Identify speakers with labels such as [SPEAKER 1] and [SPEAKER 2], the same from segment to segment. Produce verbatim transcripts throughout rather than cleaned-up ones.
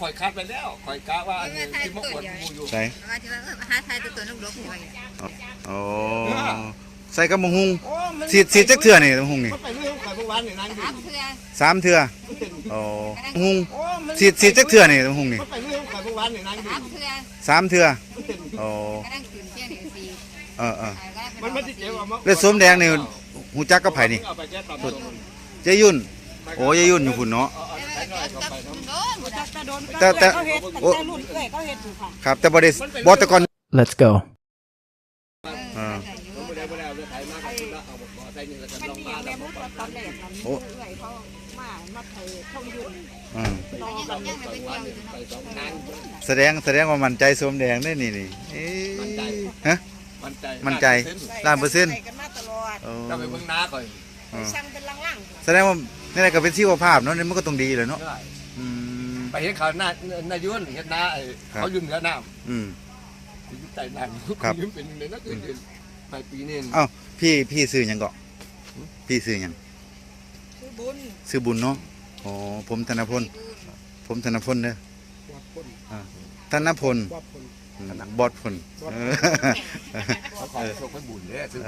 [SPEAKER 1] ข่อยคัดไปแล้วข่อยกะว่าอันนี้ที่มะกวดมูอยู่
[SPEAKER 2] ใส่
[SPEAKER 3] ว่าที่ว่าหาไทยตัวตัวลูกหลงหวย
[SPEAKER 2] โอ้ใส่กับมะฮุงสีสีจักเถื่อนี่มะฮุงนี่
[SPEAKER 1] ไปเรื่องข่อยเมื่อวานนี่นั่งอยู่
[SPEAKER 2] สามเถื่อโอ้มะฮุงสีสีจักเถื่อนี่มะฮุงนี่
[SPEAKER 1] ไปเรื่องข่อยเมื่อวานนี่นั่งอยู่
[SPEAKER 2] สามเถื่อโอ้เออเออแล้วส้มแดงนี่หูจักกับไผ่นี่เจยุ่นโอ้เจยุ่นอยู่พุ่นเนาะแต่แต่โอ้ครับแต่บ่ได้บ่แต่ก่อน
[SPEAKER 4] Let's go
[SPEAKER 2] อ่าโอ้แสดงแสดงว่ามั่นใจส้มแดงได้นี่นี่ฮะมั่นใจล้านเปอร์เซ็นต์
[SPEAKER 1] เราไปเบิ่งน้าก่อน
[SPEAKER 2] แสดงว่านี่แหละก็เป็นชีวภาพเนาะนี่มันก็ต้องดีเลยเนาะ
[SPEAKER 1] ไปเห็นเขาหน้าหน้ายุ่นเห็นหน้าเขายุ่นเหนือน้ำ
[SPEAKER 2] อืม
[SPEAKER 1] ใจน้ำยุ่นเป็นในนักเรียนไปปีนี้
[SPEAKER 2] อ้าวพี่พี่ซื้อยังเกาะพี่ซื้อยัง
[SPEAKER 3] ซื้อบุญ
[SPEAKER 2] ซื้อบุญเนาะอ๋อผมธนพลผมธนพลเด้อธนพลบอดพล
[SPEAKER 1] เขาขอโชคให้บุญเลยซื้อ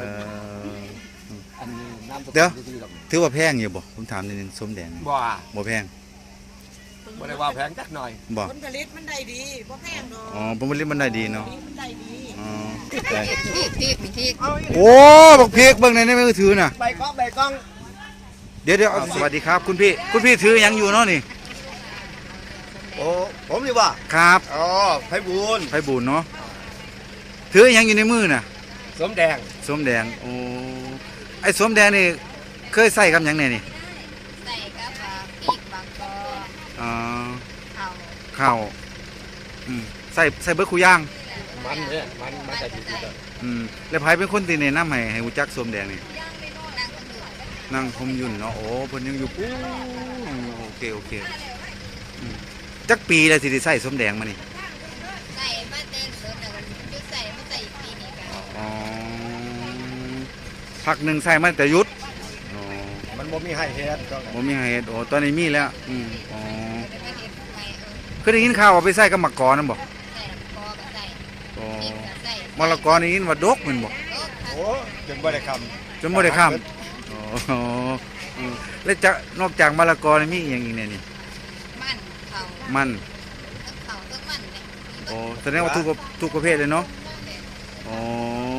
[SPEAKER 2] เดี๋ยวถือว่าแพงอยู่บ่ผมถามนิดนึงส้มแดง
[SPEAKER 1] บ่
[SPEAKER 2] บ่แพง
[SPEAKER 1] บ่ได้ว่าแพงจักหน่อย
[SPEAKER 2] บ่
[SPEAKER 3] ผลผลิตมันได้ดีบ่แพงเนาะ
[SPEAKER 2] อ๋อผลผลิตมันได้ดีเนาะ
[SPEAKER 3] มันได้ดี
[SPEAKER 2] อ๋อ
[SPEAKER 3] ทีกทีกทีก
[SPEAKER 2] โอ้บักพริกเบิ่งในมือถือน่ะ
[SPEAKER 1] ใบกล้องใบกล้อง
[SPEAKER 2] เดี๋ยวเดี๋ยวสวัสดีครับคุณพี่คุณพี่ถือยังอยู่เนาะนี่
[SPEAKER 1] โอ้ผมดีว่า
[SPEAKER 2] ครับ
[SPEAKER 1] อ๋อไผบุญ
[SPEAKER 2] ไผบุญเนาะถือยังอยู่ในมือน่ะ
[SPEAKER 1] ส้มแดง
[SPEAKER 2] ส้มแดงโอ้ไอ้ส้มแดงนี่เคยใส่กับหยังไงนี่
[SPEAKER 3] ใส่กับพริกบางกอก
[SPEAKER 2] อ๋อ
[SPEAKER 3] ข้าว
[SPEAKER 2] ข้าวอืมใส่ใส่เบิดคู่ย่าง
[SPEAKER 1] มันเนี่ยมันมันจะดีๆเลย
[SPEAKER 2] อืมแล้วไผเป็นคนที่แนะนำให้ให้รู้จักส้มแดงนี่นั่งคมยุ่นเนาะโอ้เพิ่นยังอยู่ปู้โอเคโอเคจักปีแล้วสิได้ใส่ส้มแดงมานี่
[SPEAKER 3] ใส่มาเต้นสดแต่ยุดใส่มาใส่ปีนี้กัน
[SPEAKER 2] อ๋อพักหนึ่งใส่มาแต่ยุดอ๋อ
[SPEAKER 1] มันบ่มีให้เฮ็ด
[SPEAKER 2] บ่มีให้เฮ็ดโอ้ตอนนี้มีแล้วอืมอ๋อเคยได้ยินข่าวว่าไปใส่กับมะกอกนั่นบ่
[SPEAKER 3] ใส่มะกอกก็ใส่
[SPEAKER 2] อ๋อมะละกอนี่ยินว่าดกแม่นบ่
[SPEAKER 1] โอ้จนบ่ได้ค
[SPEAKER 2] ำจนบ่ได้คำอ๋อแล้วจะนอกจากมะละกอนี่มีอีกอย่างอีกเนี่ยนี่
[SPEAKER 3] มันเขา
[SPEAKER 2] มัน
[SPEAKER 3] เขาต้องมันเลย
[SPEAKER 2] โอ้แสดงว่าทุกทุกประเภทเลยเนาะอ๋อ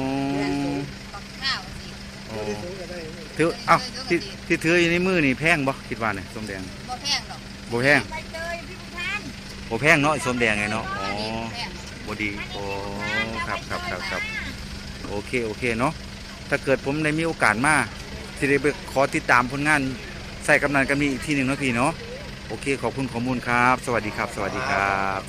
[SPEAKER 2] โอ้ถือเอ้าที่ที่ถืออยู่ในมือนี่แพงบ่คิดว่าเนี่ยส้มแดง
[SPEAKER 3] บ่แพงหรอก
[SPEAKER 2] บ่แพงบ่แพงเนาะส้มแดงไงเนาะอ๋อบ่ดีโอ้ครับครับครับครับโอเคโอเคเนาะถ้าเกิดผมได้มีโอกาสมาที่ได้ไปขอติดตามผลงานใส่กำนันกันมีอีกทีหนึ่งเนาะพี่เนาะโอเคขอบคุณข้อมูลครับสวัสดีครับสวัสดีครับ